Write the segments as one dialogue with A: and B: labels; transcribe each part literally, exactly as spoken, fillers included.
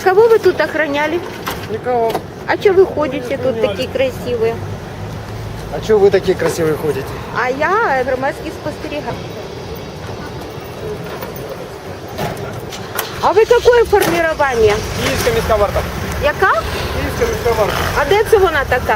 A: кого вы тут охраняли?
B: Никого.
A: А что вы ходите тут такие красивые?
B: А что вы такие красивые ходите?
A: А я громадський спостерігатель. А ви какое формирование?
B: Київська міська варта.
A: Яка?
B: Київська міська варта.
A: А де це вона така?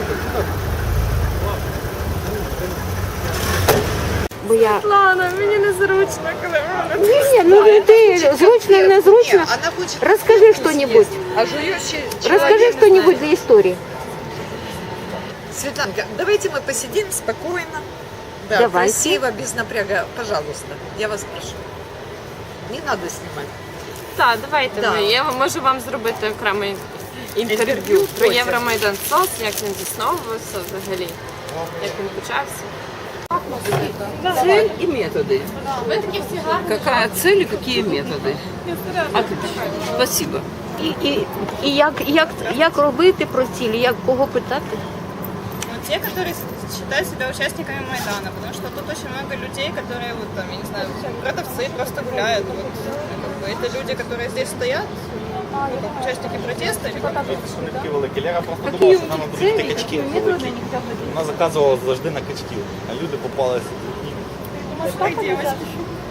A: Бо я...
C: Ладно, мені незручно, коли вона.
A: Ні, ні, ну ти зручно, незручно.
D: Она хочет
A: Расскажи
D: вкус
A: что-нибудь.
D: есть, А жующий
A: Расскажи
D: человек
A: что-нибудь
D: знает.
A: для истории.
D: Светланка, давайте мы посидим спокойно. Да,
A: Давайте.
D: красиво, без напряга. Пожалуйста, я вас прошу. Не надо снимать.
C: Так, давайте
D: Да.
C: ми. Я можу вам зробити окреме інтерв'ю
D: Інтерв'ю
C: про
D: потім.
C: Євромайдан СОС, як він засновувався взагалі, як він почався.
E: Цель и методы. Какая цель и какие методы? Отлично. Спасибо.
A: І, і, і як, як, як робити про цілі, як кого питати?
F: Ну, те, которые считают себя участниками Майдана, потому что тут очень много людей, которые, вот там, я не знаю, продавцы просто гуляют. Вот, как бы, это люди, которые здесь стоят, ну, как участники протеста. Или как?
G: Вони такі великі. Лера просто думала, що нам будуть йти качки великі. Вона заказувала завжди на качків, а люди попалися.
F: Как девочки.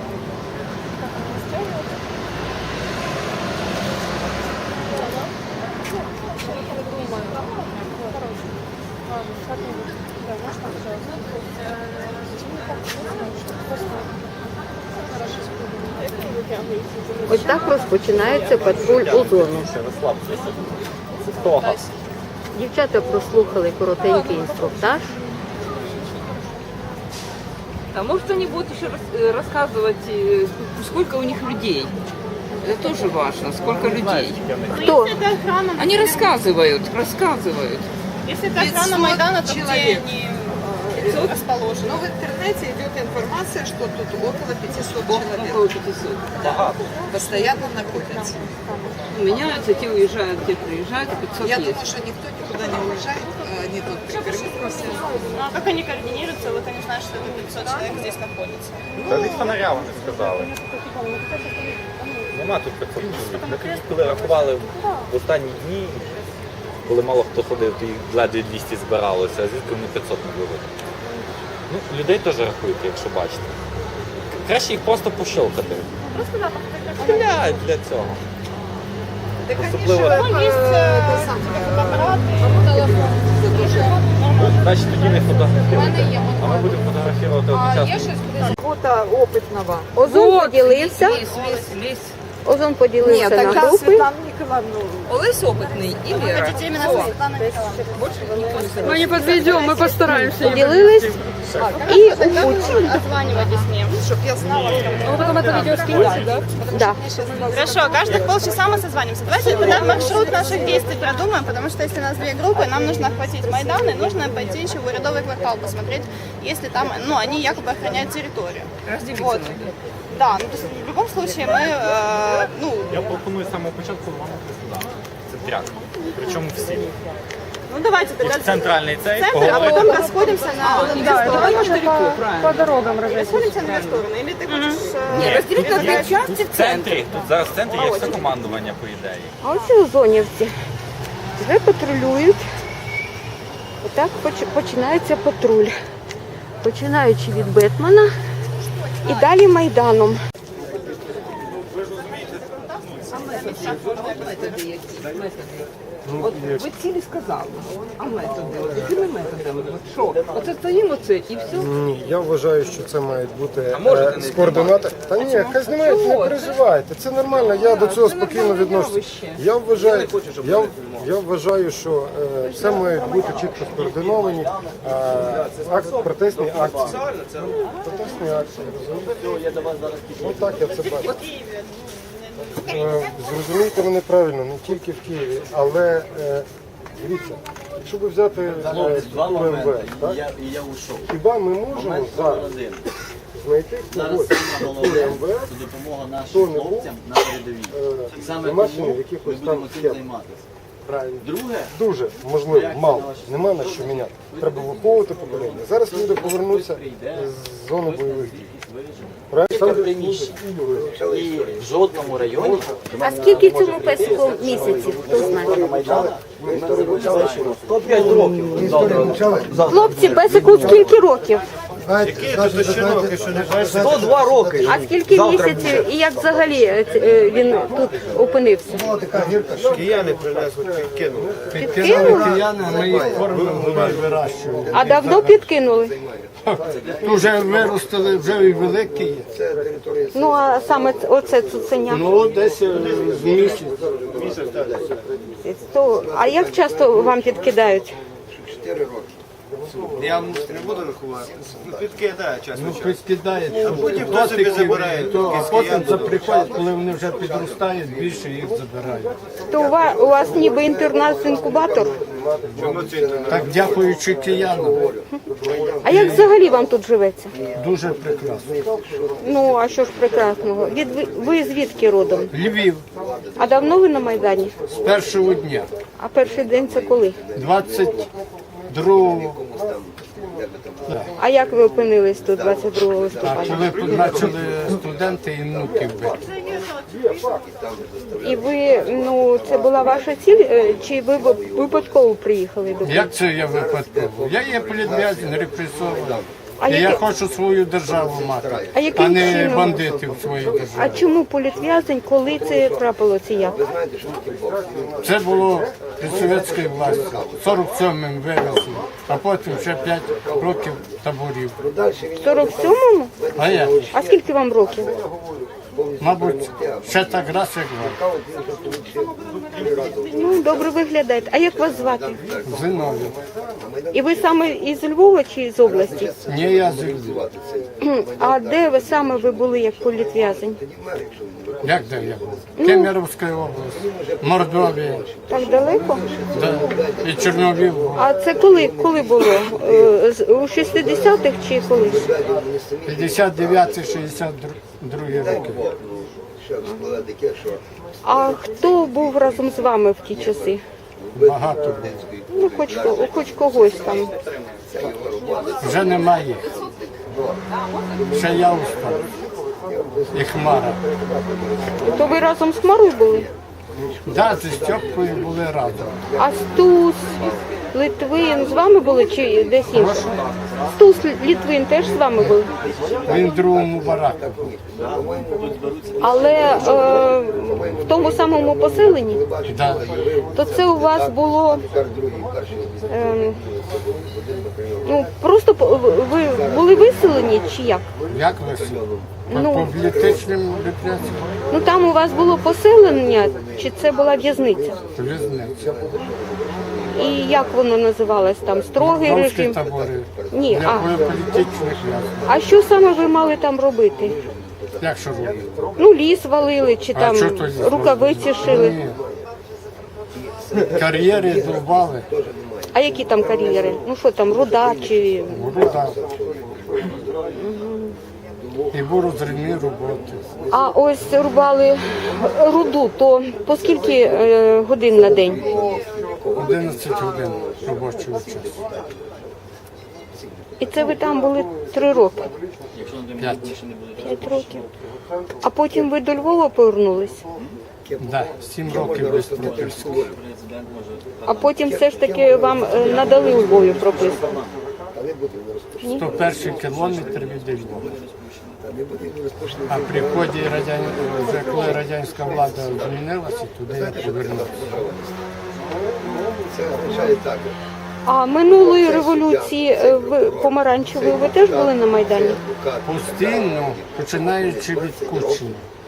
A: Ось так розпочинається патруль озону.
G: Розслабтеся. Це хто газ?
A: Дівчата прослухали коротенький інструктаж.
E: А может они будут еще рас- э, рассказывать, э, сколько у них людей? Это тоже важно, сколько людей.
A: Хто?
F: Если это охрана,
E: Они рассказывают, рассказывают.
F: если это охрана
D: пятьсот
F: Майдана, то где
D: человек.
F: они э, расположены?
D: Но в интернете идет информация, что тут около пятисот
E: Около
D: человек
E: пятисот.
G: Багато.
D: постоянно находятся.
E: Меняются, те уезжают, те приезжают, а пятьсот
D: Я
E: есть.
D: думаю, что никто никуда не уезжает, а они тут прикормились.
F: Ну, а как они координируются, вот они знают, что это пятьсот человек здесь находится?
G: Та від фонаря вони сказали. Нема тут п'ятсот чоловік. Ми тоді, коли рахували в останні дні, коли мало хто ходив, то їх ледве двісті збиралося, а звідки вони п'ятсот не були. Ну, людей теж рахуйте, якщо бачите. Краще їх просто пощелкати. Стріляють для цього.
D: Так они же
G: Особливо-
D: э, это самое,
G: Ну, значить тоді не фотографуйте. А ми будемо фотографувати одночасно.
D: фото опытного.
A: Озон поділився.
E: Лезь, лезь, лезь.
A: Озон поділився
D: Нет,
A: на
D: тогда
A: групи.
D: Светлана Николаевна.
E: Олесь опытный и Лера.
F: Хотите именно со Светланой Николаевной?
C: Ми не підведемо, ми постараємося.
A: Поділились і у путь.
F: Отзванивайтесь мне.
D: Чтоб я знала,
C: Ви потім це відео скинете, так?
A: Да.
F: Хорошо, каждых полчаса мы созванимся. Давайте тогда маршрут наших действий продумаем, потому что если у нас две группы, нам нужно охватить Майдан, и нужно пойти еще в Урядовый квартал посмотреть, если там, ну, они якобы охраняют территорию.
E: Разделиться
F: Вот.
E: надо.
F: Да, ну, то есть в любом случае мы, э, ну,
G: Я пропоную з самого початку рванути сюди. Це тряк. Причому всі.
F: ну давайте тогда
G: От центральний цей,
F: центр, а
G: поговорити.
F: потом расходимся на две стороны.
E: Далеко, правильно.
F: Расходимся на две стороны. Или ты хочешь... э,
E: Не, разделить на две части
G: Тут в центрі, тут зараз в центрі є все командування, по ідеї.
A: А оці озонівці вже патрулюють. Отак поч- починається патруль. Починаючи від Бетмана і далі Майданом.
E: Методи які? Методи. От ви цілі сказали, а методи? От якими методами? От що? Оце стоїмо це і все?
B: Ні, я вважаю, що це мають бути
E: можете
B: е,
E: не
B: з координати. Та ні, хай знімають, не переживайте. Це нормально, я до цього спокійно відношуся. Я вважаю, я, я вважаю, що е, це мають бути чітко скоординовані е, акт, протестні акції. Протестні акції, розумієте? Ну так я це бачу. Е, Зрозумійте мене правильно, не тільки в Києві, але е, дивіться, якщо ви взяти е, структуру ем ве ес, так?
H: І я ушов.
B: Хіба ми можемо зараз
H: Один.
B: знайти
H: Зараз
B: когось
H: саме
B: структури
H: головне
B: ем ве ес,
H: це допомога
B: хто
H: нашим
B: не був
H: хлопцям на передовій.
B: е,
H: І саме
B: замешаний
H: тому
B: в
H: ми
B: якихось
H: будемо
B: там
H: цим
B: схемах?
H: займатися.
B: Правильно.
H: Друге,
B: Дуже можливо, мало. Нема на що міняти. Треба виховувати покоління. Зараз люди повернуться з зони бойових дій.
G: приміщення. І в жодному районі
A: А скільки цьому песику місяців? Хто знає?
G: сто п'ять років.
A: Хлопці, песику скільки років?
G: сто два роки.
A: А скільки місяців і як взагалі е, він тут опинився?
H: Кияни принесли, підкинули.
A: Підкинули?
H: Кияни, ми їх кормимо, ми вирощуємо.
A: А давно підкинули?
H: Вже виростили, вже і великі є.
A: Ну а саме ц- оце цуценя.
H: Ну, десь е, з місяць.
A: То, а як часто вам підкидають?
H: Я не буду рахувати. Ну, підкидає часто. Ну,
B: Ну,
H: підкидає. А потім хто собі забирає.
B: То, а потім заприходять, коли вони вже підростають, більше їх забирають.
A: То у вас, у вас ніби інтернат-інкубатор?
B: Так, дякуючи киянам,
A: А як взагалі вам тут живеться?
B: дуже прекрасно.
A: Ну, а що ж прекрасного? Від, ви, ви звідки родом?
B: Львів
A: А давно ви на Майдані?
B: з першого дня,
A: А перший день це коли?
B: двадцять другого.
A: А як ви опинились тут двадцять другого
B: А
A: листопада?
B: коли почали студенти і внуків бити.
A: І ви, ну, це була ваша ціль, е, чи ви ви- випадково приїхали до?
B: Як це я випадково? Я є політв'язень, репресований.
A: А
B: І я
A: яке-
B: хочу свою державу мати,
A: А яким
B: а не
A: чином?
B: бандитів в своїй
A: А
B: державі.
A: чому політв'язень, коли це трапилося як?
B: Це було при совєтській власті, сорок сьомим вивезли, а потім ще п'ять років таборів.
A: В сорок сьомому?
B: А я,
A: А скільки вам років?
B: мабуть, ще так раз, як вам.
A: Ну, добре виглядаєте. А як вас звати?
B: Зиновій.
A: І ви саме із Львова чи з області?
B: Ні, я з Львова.
A: А де ви саме ви були як політв'язень?
B: Як де я був? Кемеровська область, Мордовія,
A: Так далеко?
B: да. І Чорнобиль. був.
A: А це коли, коли було? Е, з- У шістдесятих чи коли?
B: п'ятдесят дев'ятий шістдесят другий роки.
A: А хто був разом з вами в ті часи?
B: Багато було.
A: Ну, хоч, ко- хоч когось там.
B: Вже немає їх. Ще я устав. І Хмара.
A: То ви разом з Хмарою були?
B: Да, зі Стьопкою були разом.
A: А Стус, Литвин з вами були чи десь інше? Стус, Литвин теж з вами були?
B: Він в другому бараку.
A: Але е, в тому самому поселенні?
B: Да.
A: То це у вас було е, ну просто по- ви були виселені чи як?
B: Як ви?
A: Ну.
B: По політичним репресіям?
A: Ну там у вас було поселення, чи це була в'язниця?
B: В'язниця.
A: І як воно називалось там? Строгий
B: Домські
A: режим?
B: табори.
A: Ні,
B: Для
A: а,
B: політичних в'язнів.
A: а що саме ви мали там робити?
B: Як що робити?
A: Ну ліс валили, чи
B: А
A: там
B: що то ліс
A: рукавиці шили?
B: Ні. Кар'єри довбали.
A: А які там кар'єри? Ну що там, руда чи
B: Руда. І розривні роботи.
A: а ось рубали руду, то по скільки е, годин на день?
B: одинадцять годин робочого часу.
A: І це ви там були три роки,
B: П'ять.
A: п'ять років. А потім ви до Львова повернулись?
B: Да, сім років без прописки.
A: А потім все ж таки вам е, надали у Львові прописку?
B: сто перший кілометр від Львова. А при вході радян... вже коли радянська влада змінилася, туди я повернувся.
A: А минулої революції е, ви помаранчевої ви теж були на Майдані?
B: Постійно, починаючи від Кучини.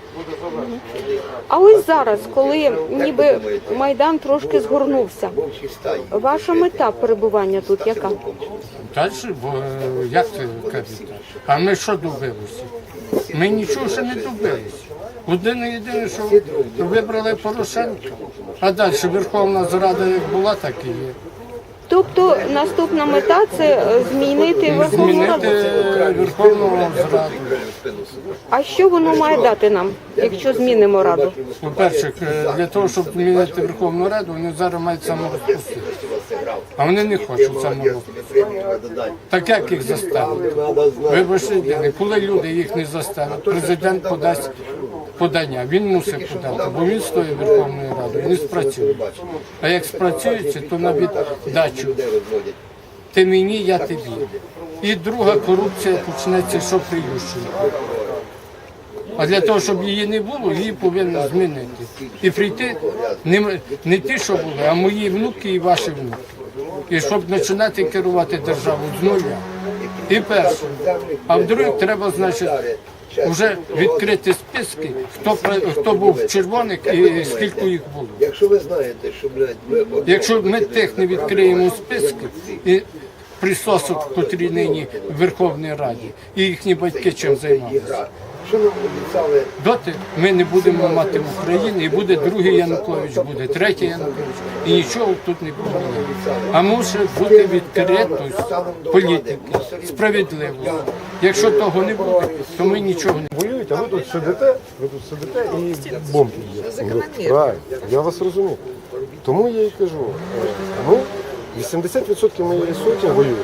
A: А ось зараз, коли ніби Майдан трошки згорнувся, ваша мета перебування тут яка?
B: Далі, бо е, як це кажуть? А ми що добилися? Ми нічого ще не добилися. Єдине, єдине, що вибрали Порошенка. А далі Верховна Рада як була, так і є.
A: Тобто наступна мета це е, змінити Верховну Раду.
H: Змінити Верховну Раду.
A: А що воно має дати нам, якщо змінимо Раду?
H: По-перше, е, для того, щоб змінити Верховну Раду, вони зараз мають саморозпустити. А вони не хочуть саморозпустити. Так як їх заставити? Вибачте, коли люди їх не заставять, президент подасть подання. Він мусить подати, бо він стоїть Верховною Радою, не спрацює. А як спрацюється, то на віддачу. Ти мені, я тобі. І друга корупція почнеться, що при Ющенку. А для того, щоб її не було, її повинні змінити. І прийти не, не ті, що були, а мої внуки і ваші внуки. І щоб починати керувати державу з нуля. І перше. А вдруге треба, значить, вже відкрити списки, хто, хто був в червоних і скільки їх було.
I: Якщо ви знаєте, що, блядь, ми...
H: Якщо ми тих не відкриємо списки, і присосок, котрі нині в Верховній Раді, і їхні батьки чим займалися,
I: Що нам обіцяли?
H: доти ми не будемо мати в Україні, і буде другий Янукович, буде третій Янукович, і нічого тут не буде. А мусить бути відкритість політики, справедливості. Якщо того не буде, то ми нічого не будемо.
B: Воюють, а ви тут сидите, ви тут сидите і бомби є. Правильно, я вас розумію. Тому я і кажу, е, ну, вісімдесят відсотків моєї сотні воює.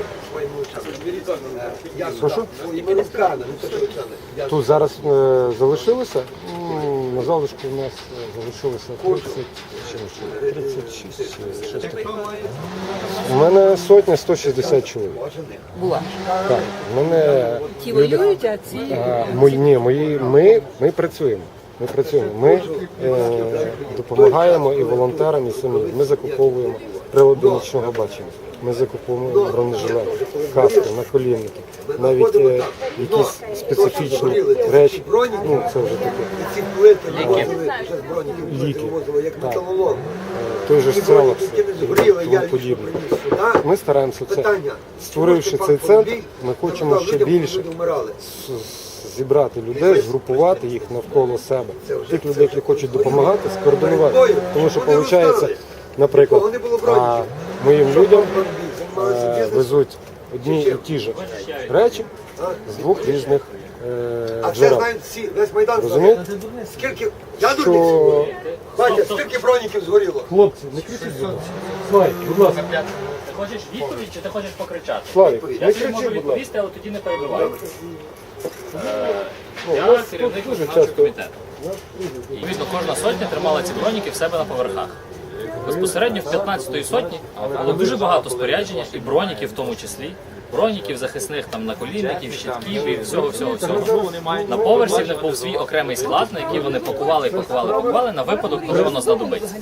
B: Прошу? Тут зараз е, залишилося, м, на залишку у нас е, залишилося тридцять, чим ще? тридцять шість чи щось таке. У мене сотня сто шістдесят чоловік.
E: Була.
B: Так, у мене
E: Ті воюють, а ці...
B: а, мої, ні, мої, ми, ми працюємо. Ми працюємо. Ми е, допомагаємо і волонтерам, і самі. Ми закуповуємо прилади нічного бачення. Ми закуповуємо бронежилети, каски, наколінники, навіть е, якісь специфічні речі. Ну, це вже таке.
I: Ліки.
B: Ліки. Так. Е, Той же Селекс, тому подібне. Ми стараємося це. Створивши цей центр, ми хочемо ще більше з- зібрати людей, згрупувати їх навколо себе. Тих людей, які хочуть допомагати, скоординувати. Тому що виходить, наприклад, а, моїм людям е, везуть одні і ті ж речі з двох різних е,
I: А це
B: джерел.
I: знають всі, весь Майдан.
B: Розумієте?
I: Скільки, я
B: Що...
I: дурниць, бачите, скільки броніків згоріло?
B: Хлопці, не кричіть. Славік, будь ласка.
J: Ти хочеш відповідь чи ти хочеш покричати?
B: Славік,
J: Я
B: не
J: тобі можу
B: кричіть, будь ласка.
J: відповісти, але тоді не перебивай. Е,
B: Ну,
J: Я
B: у вас
J: керівник
B: тут дуже
J: виконавчого
B: часто-
J: комітету. І, відповідно, кожна сотня тримала ці броніки в себе на поверхах. Безпосередньо в п'ятнадцятої сотні було дуже багато спорядження, і броніків в тому числі. Броніків, захисних там наколінників, щитків і всього, всього, всього. На поверсі в них був свій окремий склад, на який вони пакували, пакували, пакували на випадок, коли воно знадобиться.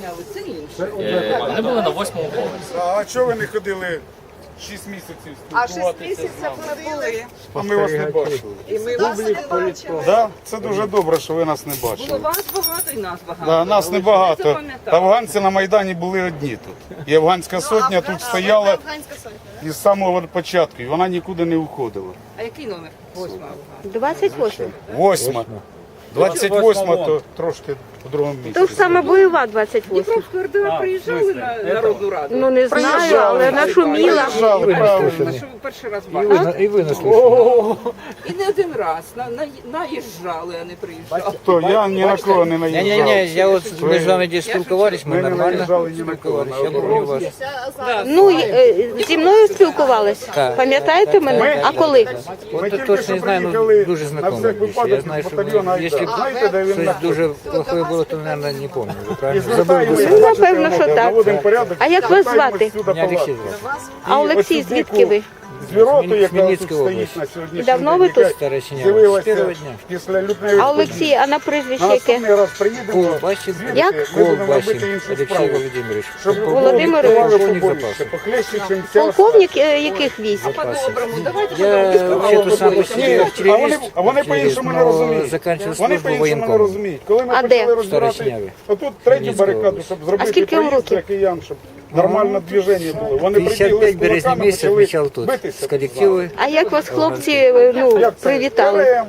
J: Е, Вони були на восьмому поверсі.
K: А чого ви не ходили шість місяців
D: А шість
K: спілкуватися?
D: місяців ми були.
K: А ми вас не бачили.
D: І ми вас не бачили.
K: Да? Це дуже добре, що ви нас не
E: Було
K: бачили.
E: вас багато і нас багато.
K: Да, нас
E: Ви ж
K: небагато.
E: це пам'ятаєте.
K: Афганці на Майдані були одні тут. І афганська сотня тут стояла
F: Афганська сотня.
K: із самого початку, і вона нікуди не уходила.
E: А який номер? Восьма.
A: двадцять восьма.
K: Восьма. двадцять восьма то трошки по другому місці.
A: То ж саме бойова двадцять восьма.
E: Дніпровського РДА приїжджали на Народну Раду.
A: Ну не знаю, але нашуміла.
K: Приїжджали, правильно.
E: Ми що ви перший раз бачили.
H: І винесли.
E: І не один раз. На, на, наїжджали, а не приїжджали.
K: То я ні на кого не наїжджав.
H: Ні-ні-ні, я от ми з вами десь спілкувались, ми
K: Ми не
H: нормально
K: наїжджали ні на кого.
H: спілкувались. Я помню вас.
A: Ну, е, зі мною спілкувались. Пам'ятаєте мене? А коли?
K: Ми
H: От
K: тільки
H: точно
K: що
H: не знаю, ну
K: приїхали
H: дуже
K: на
H: знакомо
K: всяк
H: більше. Я
K: випадок
H: знаю,
K: з
H: що
K: батальйону
H: ви, якщо
K: Айдар. Знаєте, де він
H: щось
K: знаходиться?
H: дуже плохое було, то, мабуть, не помню. Ви правильно?
K: І
H: Забув
K: звертаємося,
H: би.
A: Ну,
K: бачите,
A: напевно, що
K: воно,
A: так.
K: наводимо порядок,
A: А як вас
K: звертаємось
A: звати?
K: сюди
H: Мене
K: палати.
H: Олексій звати.
A: А Олексій, звідки ви?
K: Звіроту, яка тут
H: Хмельницької
K: стоїть
H: області.
K: на сьогоднішній
A: Давно
K: день,
A: ви тут?
K: яка
H: Стареченя. З
K: з'явилася
H: першого дня.
K: після лютневої
A: А
K: події.
A: Олексій, а на прізвище
K: На
A: яке?
K: наступний раз приїдемо,
H: Колбасін.
K: звідти
A: Як?
K: ми будемо
H: Колбасін
K: робити іншу
H: Олексій
K: справу.
H: Володимирович.
K: Щоб
A: Володимир
K: відкривали
H: Володимирович.
K: побольше, похлеще, чим ця.
A: Полковник е, яких військ?
E: По-доброму, давайте
H: Я
E: по-доброму.
H: вообще-то сам по себе
K: Ні, а вони,
H: активіст,
K: а вони
H: активіст,
K: по-іншому не
H: но
K: розуміють.
H: закінчив
K: Вони
H: службу
K: по-іншому не
H: воєнкомом.
K: розуміють. Коли ми
A: А
K: почали
A: де?
K: розбирати
H: Старосиняві.
K: отут третю
H: Хмельницька
K: барикаду,
H: область.
K: щоб зробити
A: скільки вам
K: проїзд
A: років?
K: для киян, щоб нормальне движення було. Вони
H: п'ятдесят
K: прибігли
H: п'ять
K: з
H: березня
K: кулаками,
H: місяця
K: почали
H: відмічав тут.
K: битися.
H: З колективою.
A: А як вас хлопці е, ну,
K: Як це?
A: привітали?
K: Берем.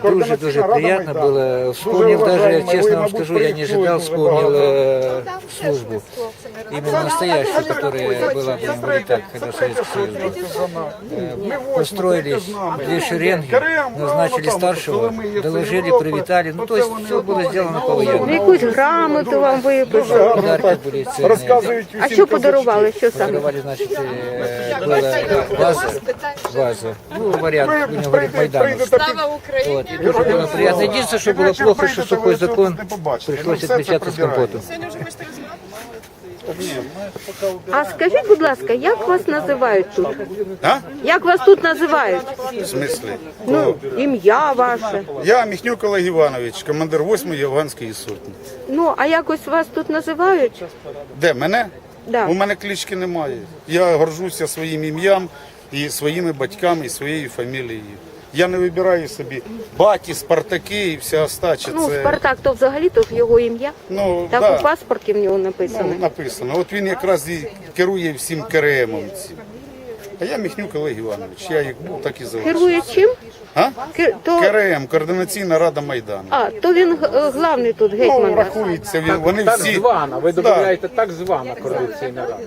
L: дуже-дуже приятно было. Вспомнил даже, честно вам скажу, я не ожидал, вспомнил э, службу. Именно настоящую, которая была, будем говорить так, когда Советский Союз был. Э, Построили две шеренги, назначили старшего, доложили, привитали. Ну, то есть все было сделано
A: Ну,
L: по-воєнному.
A: якусь грамоту вам виписали.
L: Подарки були цінні.
A: А що подарували? Що саме?
L: Подарували, значит, э, была ваза, ваза, ну, вариант, будем говорить, Майдановский.
C: Слава Україні!
L: Вот, и тоже было приятно. Единственное, что было плохо, что сухой закон пришлось отмечаться с компотом.
F: Сьогодні вже хочете розмовляти?
A: А скажіть, будь ласка, як вас називають тут?
K: А?
A: Як вас тут називають?
K: В смислі?
A: Ну, ім'я ваше.
K: Я Міхнюк Олег Іванович, командир восьмої Афганської сотні.
A: Ну, а якось вас тут називають?
K: Де, мене?
A: Да.
K: У мене клички немає. Я горжуся своїм ім'ям і своїми батьками, і своєю фамілією. Я не вибираю собі баті, Спартаки і вся остача.
A: Ну,
K: Це,
A: Спартак, то взагалі то ж його ім'я.
K: ну,
A: Так
K: да,
A: у паспорті в нього
K: ну,
A: написано.
K: написано. От він якраз і керує всім КРМом цим. А я Міхнюк Олег Іванович. Я як був, так і залишився.
A: Керує чим?
K: А?
A: Ки- То...
K: КРМ, Координаційна рада Майдану.
A: А, то він г- главний тут
K: Ну,
A: гетьман. ваш.
K: рахується, він- вони
H: Так
K: всі...
H: звана, ви
K: Да.
H: додаєте так звана координаційна рада.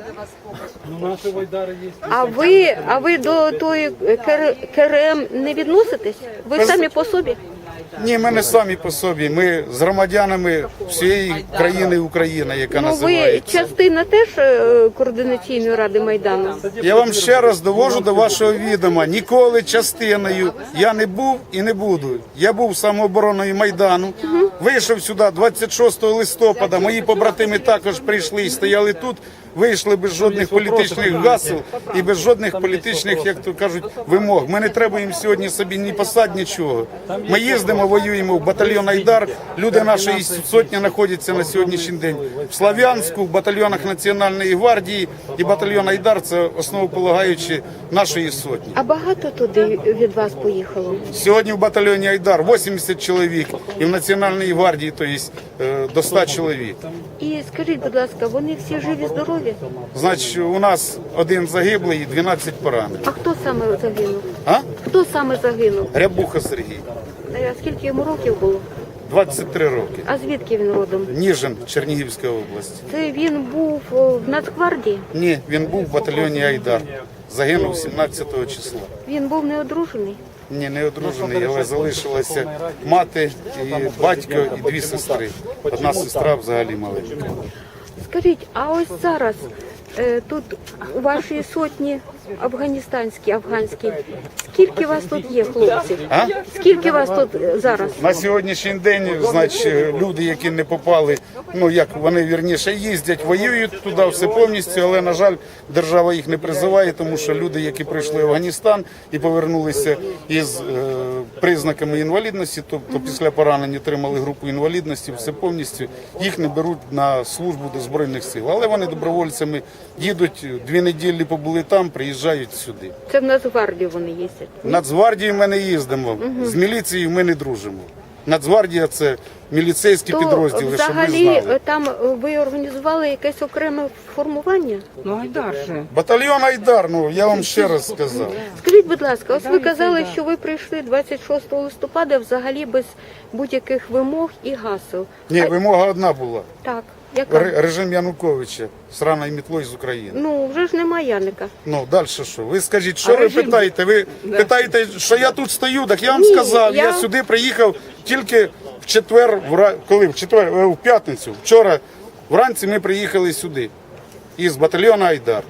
A: А ви, а ви до тої КР- КРМ не відноситесь? Ви самі по собі?
K: Ні, ми не самі по собі. Ми з громадянами всієї країни Україна, яка
A: Ну, ви
K: називається.
A: частина теж е, координаційної ради Майдану?
K: Я вам ще раз довожу до вашого відома. Ніколи частиною я не був і не буду. Я був самообороною Майдану. Вийшов сюди двадцять шостого листопада. Мої побратими також прийшли і стояли тут. Вийшли без жодних політичних гасел і без жодних політичних, як то кажуть, вимог. Ми не требуємо сьогодні собі ні посад, нічого. Ми їздимо, воюємо в батальйон Айдар. Люди нашої сотні знаходяться на сьогоднішній день в Слов'янську, в батальйонах Національної гвардії. І батальйон Айдар – це основополагаючі нашої сотні.
A: А багато туди від вас поїхало?
K: Сьогодні в батальйоні Айдар вісімдесят чоловік і в Національній гвардії, тобто е, до ста чоловік.
A: І скажіть, будь ласка, вони всі живі, здорові?
K: Значить, у нас один загиблий і дванадцять поранених.
A: А хто саме загинув?
K: А?
A: Хто саме загинув?
K: Рябуха Сергій,
A: Е, А скільки йому років було?
K: двадцять три роки.
A: А звідки він родом?
K: Ніжин, Чернігівська область.
A: Це він був о, в Нацгвардії?
K: Ні, він був в батальйоні Айдар. Загинув сімнадцятого числа.
A: Він був неодружений?
K: Ні, не одружений, але залишилася мати, і батько, і дві сестри. Одна сестра взагалі маленька.
A: Скажіть, а ось зараз е, тут у вашій сотні афганістанській, афганській, скільки вас тут є, хлопців?
K: А?
A: Скільки вас тут е, зараз?
K: На сьогоднішній день, значить, люди, які не попали, ну як вони вірніше їздять, воюють туди все повністю, але на жаль, держава їх не призиває, тому що люди, які прийшли в Афганістан і повернулися із е, признаками інвалідності, тобто після поранень отримали групу інвалідності, все повністю їх не беруть на службу до збройних сил. Але вони добровольцями їдуть, дві неділі побули там, приїжджають сюди.
A: Це в Нацгвардію вони їздять.
K: В Нацгвардію ми не їздимо, з міліцією ми не дружимо. Нацгвардія – це міліцейські
A: То
K: підрозділи, щоб ви
A: взагалі
K: знали.
A: е, там е, ви організували якесь окреме формування?
E: Ну, Айдар же.
K: Батальйон Айдар, ну я вам ще раз сказав.
A: Скажіть, будь ласка, ось ви казали, що ви прийшли двадцять шостого листопада взагалі без будь-яких вимог і гасел.
K: Ні,
A: А-
K: вимога одна була.
A: Так, яка?
K: Ре- Режим Януковича, сраною мітлою з України.
A: Ну, вже ж нема Яника.
K: Ну, далі що? Ви скажіть, що
E: А
K: ви
E: режим-
K: питаєте? Ви питаєте, що я тут стою? Так я вам
A: Ні,
K: сказав, я...
A: я-
K: сюди приїхав тільки в четвер, вра- коли? В четвер, е, в п'ятницю. Вчора вранці ми приїхали сюди із батальйону Айдар.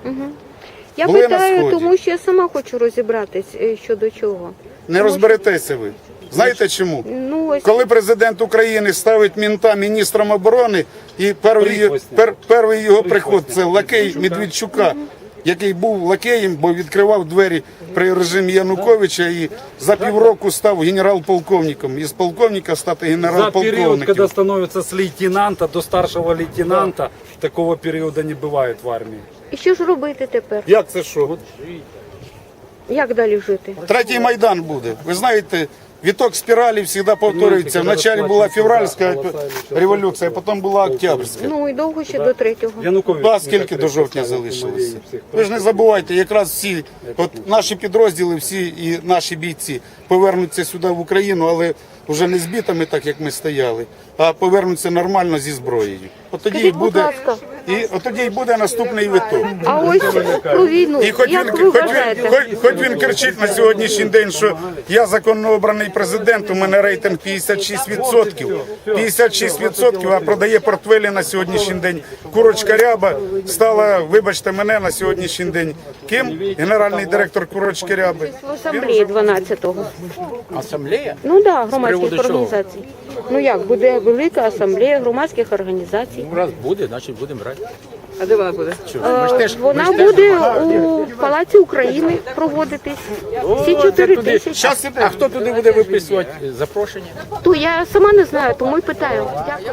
A: Я
K: Були на
A: питаю,
K: Сході.
A: тому що я сама хочу розібратись е, щодо чого.
K: Не розберетеся ви. Знаєте чому?
A: Ну, ось
K: Коли президент України ставить мінта міністром оборони, і перший, пер, перший його приход це лакей Медведчука, який був лакеєм, бо відкривав двері при режимі Януковича і за півроку став генерал-полковником. Із полковника стати
M: За период,
K: генерал-полковником.
M: когда становится с лейтенанта до старшего лейтенанта, такого периода не бывает в армии.
A: і що ж робити тепер?
K: Як це що?
A: Як далі жити?
K: Третій Майдан буде. Ви знаєте, Віток спіралі завжди повторюється. Вначалі була февральська революція, а потім була октябрьська.
A: Ну і довго ще до третього.
K: Да, скільки до жовтня залишилося? Ви ж не забувайте, якраз всі, от наші підрозділи, всі і наші бійці повернуться сюди в Україну, але вже не збитими, так як ми стояли, а повернуться нормально зі зброєю. От тоді і
A: Скажіть, будь
K: буде,
A: ласка.
K: і от тоді і буде наступний виток.
A: А ось про війну.
K: І хоч він,
A: Як ви
K: хоч, він,
A: вважаєте?
K: хоч, хоч він кричить на сьогоднішній день, що я законно обраний президент, у мене рейтинг п'ятдесят шість відсотків. п'ятдесят шість відсотків, а продає портфелі на сьогоднішній день. Курочка Ряба стала, вибачте мене, на сьогоднішній день. Ким? Генеральний директор Курочки Ряби.
A: В асамблеї дванадцятого.
J: Асамблея?
A: Ну так, да, громадських
J: приводу чого?
A: організацій. Ну як, буде велика асамблея громадських організацій.
J: Ну, раз буде, значить будемо брати.
E: А де вона буде?
A: Е, Вона буде у Палаці України проводитись. Всі чотири тисячі.
J: А хто туди буде виписувати запрошення?
A: То я сама не знаю, тому й питаю. Дякую.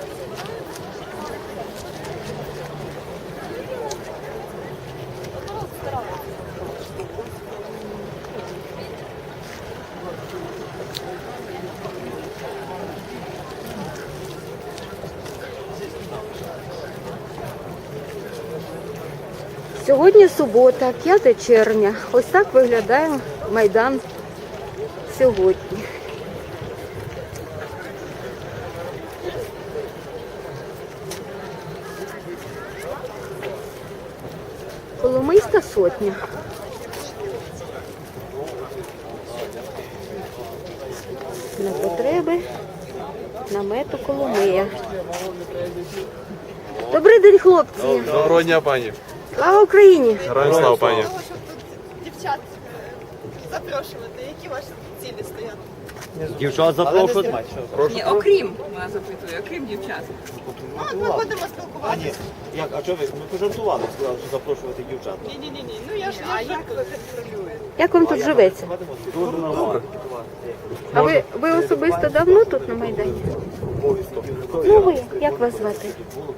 A: Сьогодні субота, п'яте червня. Ось так виглядає Майдан сьогодні. Коломийська сотня. На потреби намету Коломия. Добрий день, хлопці!
N: Доброго дня, пані.
A: Слава Україні!
N: Героям слава, пані.
F: Дівчат запрошувати, які ваші цілі стоять?
N: Дівчат запрошують.
D: Ні, окрім, вона запитує, окрім дівчат.
F: Ну, от ми будемо спілкуватися.
N: Як, а чого ви? Ми пожартували, сказали, що запрошувати дівчат.
F: Ні-ні-ні, ну я ж я ж жартую.
A: Як вам тут живеться?
N: Дуже нормально.
A: А ви, ви особисто давно тут на Майдані? Ну ви, як вас звати?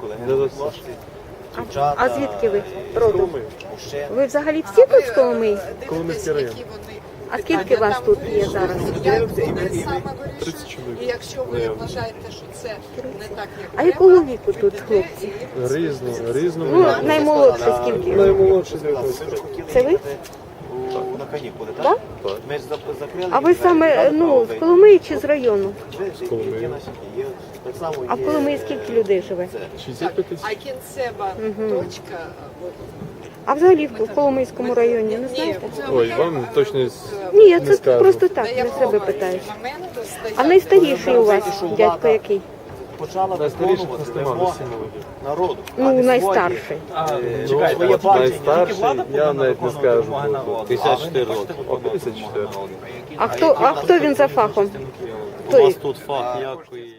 A: А, а звідки ви родом? Ви взагалі всі тут з Коломиї?
N: Коломийський район.
A: А скільки вас тут є зараз?
N: тридцять чоловік.
D: І якщо ви вважаєте, що це не так, як
A: А якого віку тут хлопці?
N: Різно, різно.
A: Ну, наймолодше скільки?
N: Наймолодший дев'ятнадцять.
A: Це ви?
N: На канікули,
A: Так?
N: так? Ми ж закрили.
A: А ви саме, ну, з Коломиї чи з району?
N: З Коломиї. Так само
A: А в Коломиї скільки людей живе?
N: шістдесят п'ять тисяч.
D: а кінцева точка, от,
A: А взагалі в Коломийському районі, не знаєте?
N: Ой, вам точно
A: Ні, я це просто так, для себе питаю.
D: моменту
A: А найстаріший у вас дядько який?
N: почала виконувати вимоги народу.
A: Ну, найстарший.
N: Своє бачення. Я навіть не скажу. п'ятдесят чотири роки. О, п'ятдесят чотири.
A: А хто, а хто він за фахом?
N: У вас тут фах який?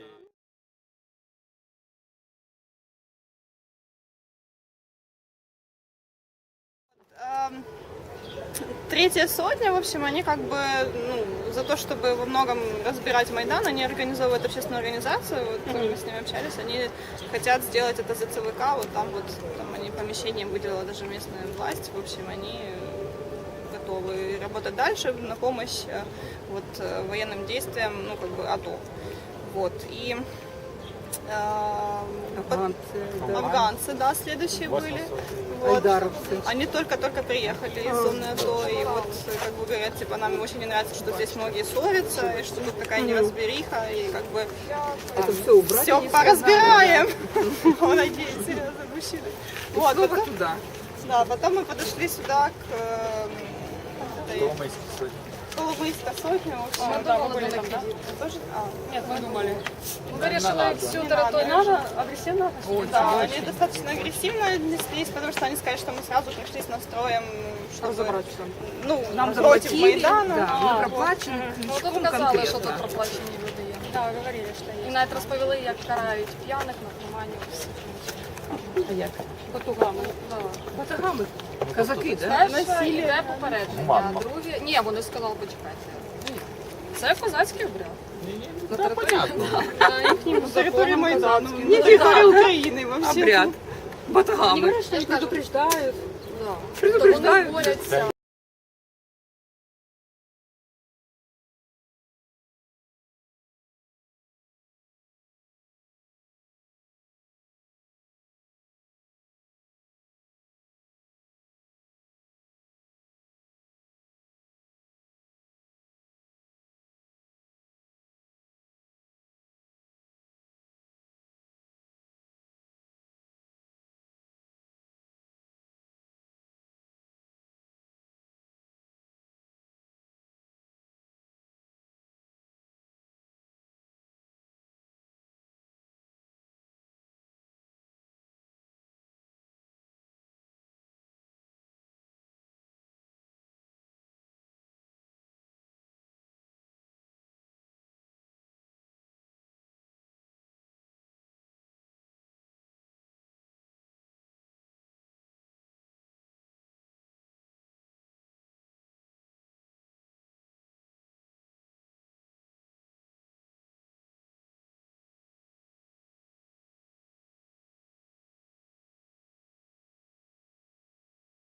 F: Эм, Третья сотня, в общем, они как бы, ну, за то, чтобы во многом разбирать Майдан, они организовывают общественную организацию, вот, мы с ними общались, они хотят сделать это за ЦВК, вот там вот, там они помещение выделила даже местная власть, в общем, они готовы работать дальше на помощь э, вот, э, военным действиям, ну, как бы, АТО. Вот, и
E: Афганцы, да.
F: афганцы, да, следующие были. Вот.
E: Айдаровцы.
F: Они только-только приехали из зоны АТО, и вот, как бы говорят, типа, нам очень не нравится, что здесь многие ссорятся, и что тут такая неразбериха, и как бы
E: Это все убрать?
F: все поразбираем. Он надеется, серьезно, мужчины. Вот,
E: Снова
F: потом,
E: туда.
F: да, потом мы подошли сюда к э, этой Коломийской сотне. В общем,
C: А,
F: да, мы были там, да? Тоже? А, нет, мы думали.
C: Вы решили всю территорию агрессивно?
F: Да, они достаточно агрессивно отнеслись, потому что они сказали, что мы сразу пришли с настроем, чтобы
E: Разобрать все.
F: ну,
E: Нам
F: против
E: заплатили,
F: Майдана.
E: да,
F: А,
E: ми
F: вот.
E: проплачені
C: Ну,
E: книжком
C: тут казали, що
E: конкретно.
C: тут проплачені люди є.
F: Да, говорили, что
C: І
F: есть.
C: навіть розповіли, як карають п'яних, наркоманів, всіх.
E: А як?
C: Батугами.
E: Батагами? Казаки, да?
C: Перше йде попередження, а друге... Ні, вони сказали, почекайте. Ні. Це козацький обряд. На території на їхньому
F: На территории
C: законом
F: Майдана.
C: козацьким.
F: Не
C: Ну,
F: территория
C: да.
F: Украины вообще.
E: Обряд. Батагами.
C: Вони предупреждають. Да.
E: Предупреждають.
C: Вони борються.